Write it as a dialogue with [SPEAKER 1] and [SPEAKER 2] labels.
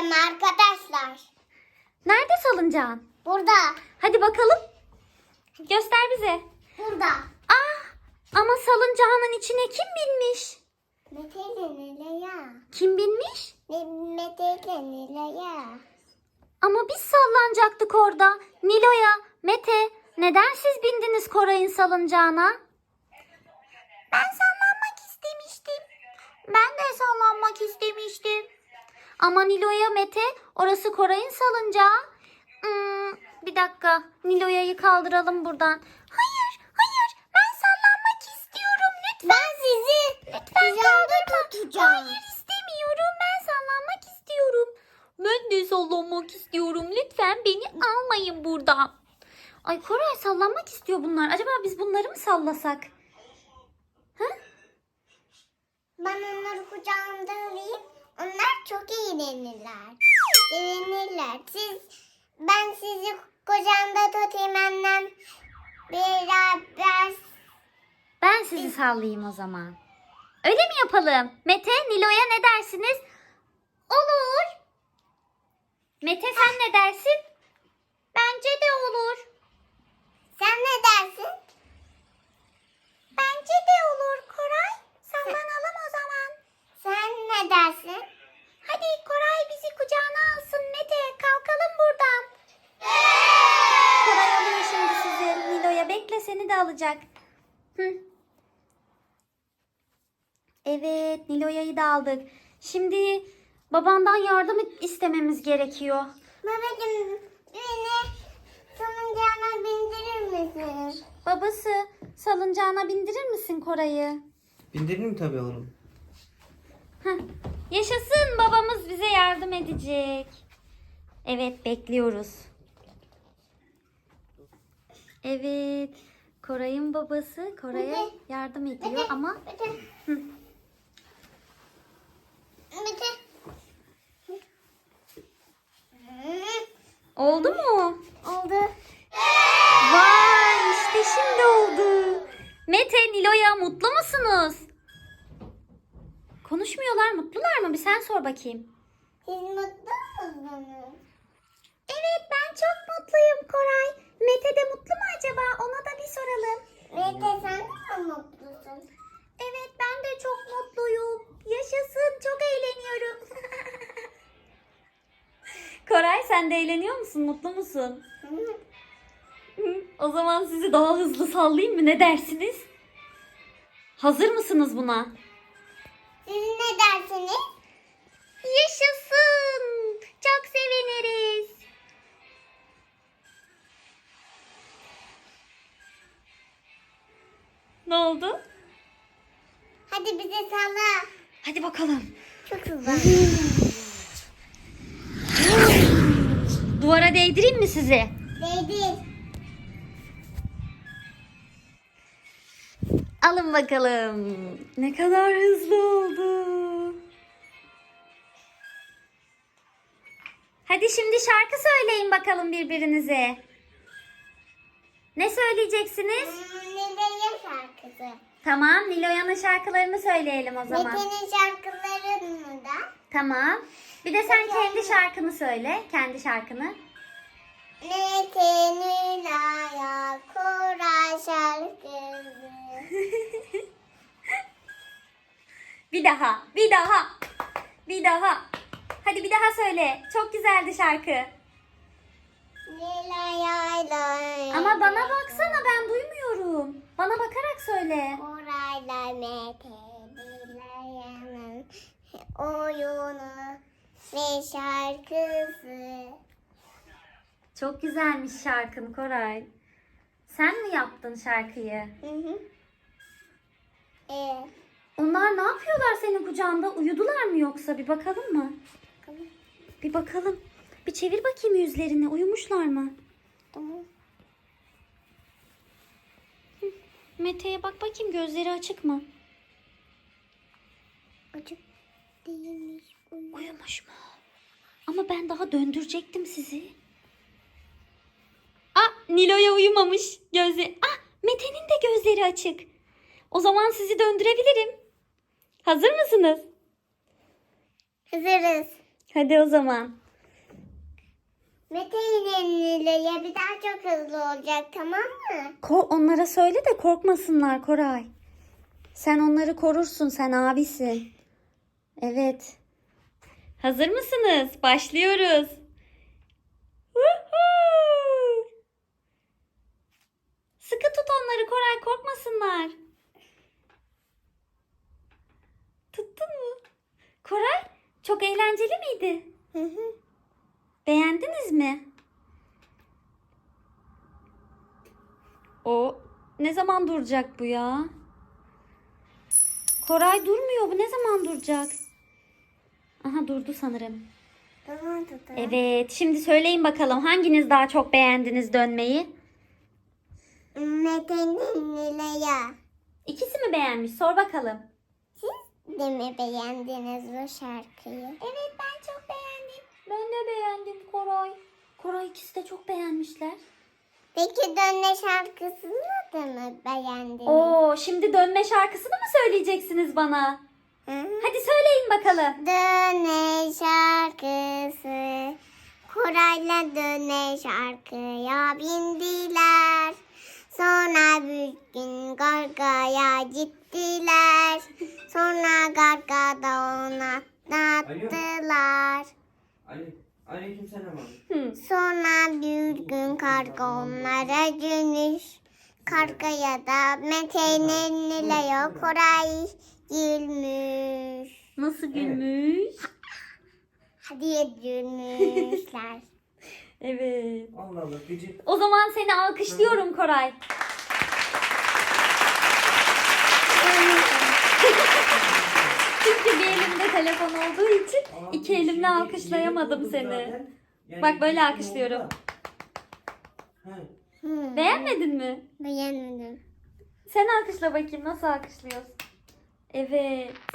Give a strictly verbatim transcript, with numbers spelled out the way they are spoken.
[SPEAKER 1] bineceğim arkadaşlar.
[SPEAKER 2] Nerede salıncağın?
[SPEAKER 1] Burada.
[SPEAKER 2] Hadi bakalım. Göster bize.
[SPEAKER 1] Burada.
[SPEAKER 2] Ah, ama salıncağının içine kim binmiş?
[SPEAKER 1] Mete ile Nilay'a.
[SPEAKER 2] Kim binmiş?
[SPEAKER 1] Mete ile Nilay'a.
[SPEAKER 2] Ama biz sallanacaktık orada. Nilo'ya, Mete, neden siz bindiniz Koray'ın salıncağına? Ben sallanmak istemiştim. Ben de sallanmak istemiştim. Ama Nilo'ya, Mete, orası Koray'ın salıncağı. Hmm, bir dakika, Nilo'ya'yı kaldıralım buradan. Hayır, hayır, ben sallanmak istiyorum lütfen.
[SPEAKER 1] Ben sizi
[SPEAKER 2] Lütfen kaldırma.
[SPEAKER 1] tutacağım.
[SPEAKER 2] Hayır istemiyorum, ben sallanmak istiyorum. Ben de sallanmak istiyorum. Lütfen beni almayın buradan. Ay Koray sallanmak istiyor bunlar. Acaba biz bunları mı sallasak? Ha?
[SPEAKER 1] Ben onları kucağımda alayım. Onlar çok eğlenirler. Sevinirler. Siz, ben sizi kucağımda tutayım annem. Beraber.
[SPEAKER 2] Ben sizi sallayayım o zaman. Öyle mi yapalım? Mete, Nilo'ya ne dersiniz? Olur. Mete sen ne dersin? Bence de olur.
[SPEAKER 1] Sen ne dersin?
[SPEAKER 2] Bence de olur Koray. Sallanalım o zaman.
[SPEAKER 1] Sen ne dersin?
[SPEAKER 2] Hadi Koray bizi kucağına alsın Mete. Kalkalım buradan. Koray alıyor şimdi sizi. Nilo'ya bekle seni de alacak. Hı. Evet Nilo'ya'yı da aldık. Şimdi babandan yardım istememiz gerekiyor.
[SPEAKER 1] Babacığım beni salıncağına bindirir misin?
[SPEAKER 2] Babası salıncağına bindirir misin Koray'ı?
[SPEAKER 3] Bindiririm tabii oğlum.
[SPEAKER 2] Heh. Yaşasın babamız bize yardım edecek. Evet bekliyoruz. Evet Koray'ın babası Koray'a
[SPEAKER 1] Mete,
[SPEAKER 2] yardım ediyor
[SPEAKER 1] Mete,
[SPEAKER 2] ama
[SPEAKER 1] Mete.
[SPEAKER 2] Hı.
[SPEAKER 1] Mete.
[SPEAKER 2] oldu mu?
[SPEAKER 1] Oldu.
[SPEAKER 2] Vay işte şimdi oldu. Mete, Nilo'ya mutlu musunuz? Konuşmuyorlar, mutlular mı? Bir sen sor bakayım.
[SPEAKER 1] Siz mutlu musunuz?
[SPEAKER 2] Evet ben çok mutluyum Koray. Mete de mutlu mu acaba? Ona da bir soralım.
[SPEAKER 1] Mete sen de mi mutlusun?
[SPEAKER 2] Evet ben de çok mutluyum. Yaşasın çok eğleniyorum. Koray sen de eğleniyor musun? Mutlu musun?
[SPEAKER 1] Hı.
[SPEAKER 2] Hı, o zaman sizi daha hızlı sallayayım mı? Ne dersiniz? Hazır mısınız buna?
[SPEAKER 1] Siz ne dersiniz?
[SPEAKER 2] Yaşasın. Çok seviniriz. Ne oldu?
[SPEAKER 1] Hadi bize salla.
[SPEAKER 2] Hadi bakalım.
[SPEAKER 1] Çok hızlı.
[SPEAKER 2] Duvara değdireyim mi sizi?
[SPEAKER 1] Değdi.
[SPEAKER 2] Alın bakalım. Ne kadar hızlı oldu. Hadi şimdi şarkı söyleyin bakalım birbirinize. Ne söyleyeceksiniz?
[SPEAKER 1] Hmm, Nilay'a şarkısı.
[SPEAKER 2] Tamam, Nilo'yanın şarkılarını söyleyelim o zaman.
[SPEAKER 1] Mete'nin şarkılarını da.
[SPEAKER 2] Tamam. Bir de sen kendi şarkını söyle. Kendi şarkını.
[SPEAKER 1] Mete Nilay'a Koray şarkısı.
[SPEAKER 2] Bir daha, bir daha, bir daha. Hadi bir daha söyle. Çok güzeldi şarkı.
[SPEAKER 1] Nilay'a
[SPEAKER 2] Ama bana baksana ben duymuyorum. Bana bakarak söyle.
[SPEAKER 1] Koray'la Mete Nilay'ın oyunu ve şarkısı.
[SPEAKER 2] Çok güzelmiş şarkın Koray. Sen mi yaptın şarkıyı?
[SPEAKER 1] Hı hı. Evet.
[SPEAKER 2] Onlar ne yapıyorlar senin kucağında? Uyudular mı yoksa? Bir bakalım mı?
[SPEAKER 1] Bakalım.
[SPEAKER 2] Bir bakalım. Bir çevir bakayım yüzlerini. Uyumuşlar mı?
[SPEAKER 1] Tamam.
[SPEAKER 2] Mete'ye bak bakayım gözleri açık mı?
[SPEAKER 1] Açık değilmiş. Uyuyor.
[SPEAKER 2] Uyumuş mu? Ama ben daha döndürecektim sizi. Ah Nilo'ya uyumamış. Gözleri. Ah Mete'nin de gözleri açık. O zaman sizi döndürebilirim. Hazır mısınız?
[SPEAKER 1] Hazırız.
[SPEAKER 2] Hadi o zaman.
[SPEAKER 1] Mete ile Nilo'ya bir daha çok hızlı olacak, tamam mı?
[SPEAKER 2] Ko- onlara söyle de korkmasınlar Koray. Sen onları korursun, sen abisin. Evet. Hazır mısınız? Başlıyoruz. Woohoo! Sıkı tut onları Koray, korkmasınlar. Tuttun mu? Koray, çok eğlenceli miydi?
[SPEAKER 1] Hı hı.
[SPEAKER 2] Beğendiniz mi? O ne zaman duracak bu ya? Koray durmuyor. Bu ne zaman duracak? Aha durdu sanırım.
[SPEAKER 1] Tamam tutalım.
[SPEAKER 2] Evet. Şimdi söyleyin bakalım hanginiz daha çok beğendiniz dönmeyi?
[SPEAKER 1] Mete ile Nilo'ya.
[SPEAKER 2] İkisi mi beğenmiş? Sor bakalım.
[SPEAKER 1] Siz de mi beğendiniz bu şarkıyı? Evet, ben çok beğendim.
[SPEAKER 2] Ben de beğendim Koray. Koray ikisi de çok beğenmişler.
[SPEAKER 1] Peki dönme şarkısını da mı beğendiniz?
[SPEAKER 2] Oo, şimdi dönme şarkısını mı söyleyeceksiniz bana?
[SPEAKER 1] Hı hı.
[SPEAKER 2] Hadi söyleyin bakalım.
[SPEAKER 1] Döne şarkısı. Koray'la döne şarkıya bindiler. Sonra bir gün Garga'ya gittiler. Sonra Garga'da onu atlattılar.
[SPEAKER 3] Ali, aleykümselam abi.
[SPEAKER 2] Hı.
[SPEAKER 1] Sonra bir gün karga onlara dönüş. Kargaya da Mete'nin Nilo'ya Koray gülmüş.
[SPEAKER 2] Nasıl gülmüş?
[SPEAKER 1] Hadi gülmüşler.
[SPEAKER 2] Evet.
[SPEAKER 3] Allah Allah gıcık.
[SPEAKER 2] O zaman seni alkışlıyorum Koray. Çünkü bir elimde telefon olduğu için
[SPEAKER 3] Abi,
[SPEAKER 2] iki elimle
[SPEAKER 3] şimdi
[SPEAKER 2] alkışlayamadım
[SPEAKER 3] yeni
[SPEAKER 2] seni.
[SPEAKER 3] buldum zaten. Yani
[SPEAKER 2] Bak böyle
[SPEAKER 3] gittim
[SPEAKER 2] alkışlıyorum.
[SPEAKER 3] oldu da. He.
[SPEAKER 1] Hmm,
[SPEAKER 2] Beğenmedin mi?
[SPEAKER 1] beğenmedim.
[SPEAKER 2] Sen alkışla bakayım, nasıl alkışlıyorsun? Evet.